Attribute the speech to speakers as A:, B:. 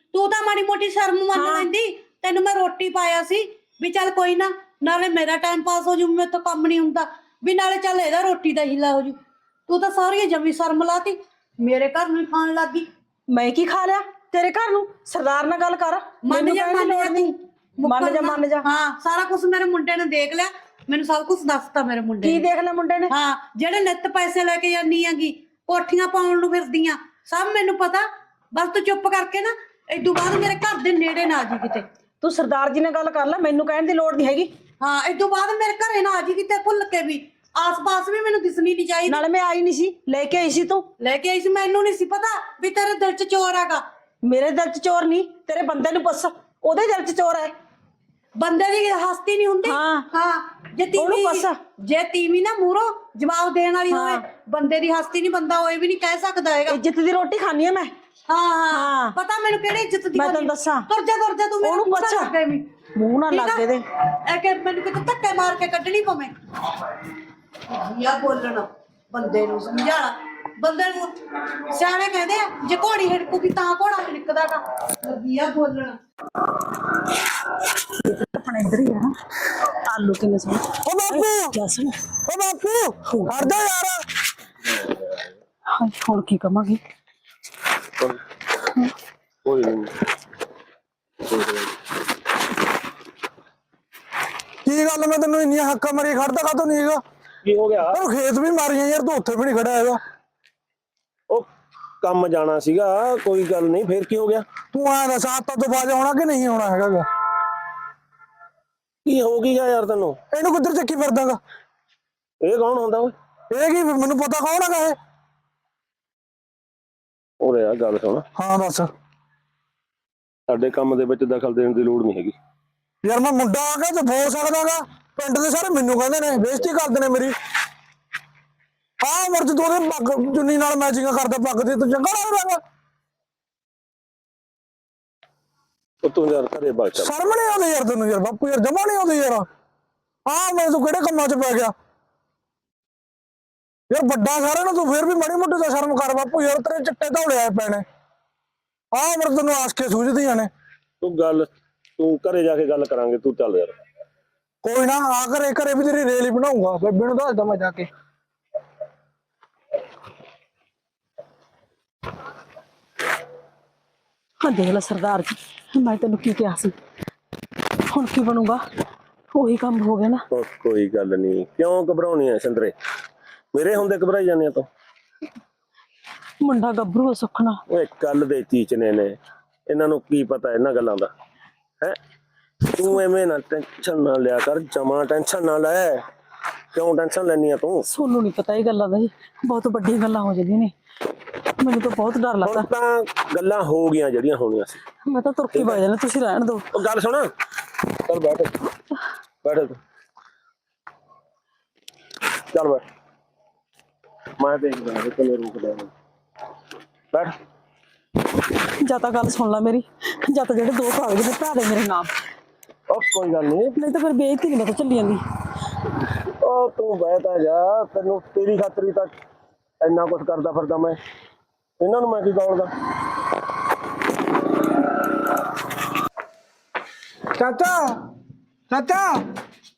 A: तू तो माड़ी मोटी शर्म मन लैंदी तेन मैं रोटी पाया सी भी चल कोई ना नाले मेरा टाइम पास हो जू मेरे तो कम नहीं हुंदा भी नाले चल एदा रोटी दा हिला हो जू तू तो सारी जमी शर्म लाती मेरे घर में खान लग गई
B: मैं की खा लिया तेरे घर नू सरदार नाल गल कर
A: मन जा
B: मन जा
A: हाँ सारा कुछ मेरे मुंडे ने देख लिया मैंने सब कुछ दसता मेरे मुंडे
B: की देख लिया मुंडे ने
A: हाँ जेडे नित पैसे लेके जानी हैगी कोठियां पाउण नू फिरदियां सब मैनू पता बस तू चुप करके ना इदू बाद मेरे घर दे नेड़े ना आ जी किते
B: तू सरदार जी ने गल कर ले मैनू कहण दी लोड़ नहीं हैगी
A: हाँ इदू बाद मेरे घरे ना आ जी किते भुल के भी आस पास भी मैनू दिसनी नहीं चाहिए
B: नाले मैं आई नहीं सी लेके आई सी तू
A: लेके आई सी मैनू नहीं सी पता भी तेरे दिल च चोर हैगा
B: मेरे दिल च चोर नहीं तेरे बंदे नू पुੱਛ ओदे दिल च चोर है
A: बंदे दी हस्ती नहीं हुंदी हाँ जे तीवी ना मूरो जवाब देने वाली होवे बंदे दी हस्ती नहीं बंदा होए भी नहीं कह सकदा हैगा
B: इज्जत दी रोटी खानी है मैं
A: हाँ पता मैनू केड़ी इज्जत दी
B: मैं तैनूं दस्सां
A: तुर जा तू मेनू पुੱਛ
B: मुंह ना लग दे
A: ए के मैनू किते धक्के मार के कड्ढनी पवे या बोलना बंदे नू समझाना बंदे नू सियाणे कहंदे आ जे घोड़ी हिड़कूगी तां घोड़ा हिड़कदा गा लगी आ बोलना
B: अपने इधर ही है आलू किने सुन ओ बापू क्या सुन ओ बापू हट जा यार हां छोड़ की कमागी
C: कोई नहीं
D: की गल मैं तेन इन हक्का मारी खड़ता का तो नहीं है
C: की हो गया
D: खेत भी मारिया यार तू उत्थे भी नहीं खड़ा है
C: ओ काम जाना सीगा कोई गल नहीं फिर की हो गया
D: तू आ दस आता तो बाज आना कि नहीं आना है
C: की हो गया यार तेन
D: इनू किधर चक्की फिरदागा
C: ये कौन होंदा ओए
D: ये की मैनू पता कौन है ये
C: ओरे यार गल सुन
D: हाँ दस
C: साडे काम दे विच दखल देने की लोड़ नहीं हैगी
D: यार मैं मुंडा आ गया तो बोल सकदागा पिंड दे सारे मैनू कहंदे ने बेइज्जती करदे ने मेरी हाँ उम्र च तू पग चुन्नी नाल मैचिंग करदा पग दी तू चंगा लगदा
C: तू यार घरे बाग चल
D: शर्म नहीं आती यार तेन यार बापू यार जमा नहीं आती यार हाँ मैं तू किहड़े कम्मां च पै गया यार बड़ा सारे ना तू फिर भी माड़ी मोटी तो शर्म कर बापू यार तेरे चिट्टे धौले आए पैने हाँ उम्र तेन आस के सूझदियां ने
C: तू गल तू घरे जाके गल करांगे तू चल यार
D: कोई ना आ घरे भी तेरी रेल ही बनाऊंगा बेबे नूं दसदा मैं जाके
B: हाँ देख ला सरदार जी मैं तेन की कहा सी हुण की बनूगा वही काम हो गया ना
C: ओ कोई गल नहीं क्यों घबराउणी है संदरे मेरे हुंदे घबराई जाने तो
B: मुंडा गभरू सुखना
C: ओए कल दे चीचने ने इन्हां नूं की पता इन्हां गल्लां दा है तू एवें ना टेंशन ना लिया कर जमा टेंशन ना ले क्यों टेंशन लेनी है तू
B: सोनू नहीं पता ये गल्लां दा जी बहुत बड़ी गल्लां हो जांदियां ने मैनूं तो बहुत डर लगदा
C: ਹੁਣ ਤਾਂ ਗੱਲਾਂ ਹੋ ਗਈਆਂ ਜਿਹੜੀਆਂ ਹੋਣੀਆਂ ਸੀ
B: मैं तो तुरकी बज जाना तुसीं रहण दो
C: ਉਹ ਗੱਲ ਸੁਣ ਚੱਲ ਬੈਠ ਬੈਠ ਤੂੰ ਚੱਲ ਬੈਠ ਮੈਂ ਦੇਖਦਾ ਹਾਂ ਕਿਵੇਂ ਰੁਕਦਾ ਹੈ ਬੈਠ
B: ਜਾਂ ਤਾਂ ਗੱਲ ਸੁਣ ਲੈ ਮੇਰੀ ਜਾਂ ਤਾਂ ਜਿਹੜੇ ਦੋ ਕਾਗਜ਼ ਨੇ ਭਰਾ ਦੇ ਮੇਰੇ ਨਾਮ
C: ਉਹ ਕੋਈ ਗੱਲ ਨਹੀਂ
B: ਨਹੀਂ ਤਾਂ ਫਿਰ ਬੇਇੱਜ਼ਤੀ ਨਹੀਂ ਮੈਂ ਤਾਂ ਚੱਲੀ ਜਾਂਦੀ
C: ਉਹ ਤੂੰ ਬੈਠਾ ਜਾ ਤੈਨੂੰ ਤੇਰੀ ਖਾਤਰੀ ਤਾਂ ਇੰਨਾ ਕੁਝ ਕਰਦਾ ਫਿਰਦਾ ਮੈਂ ਇਹਨਾਂ ਨੂੰ ਮੈਂ ਕੀ ਕਹੂੰਗਾ
D: चाचा चाचा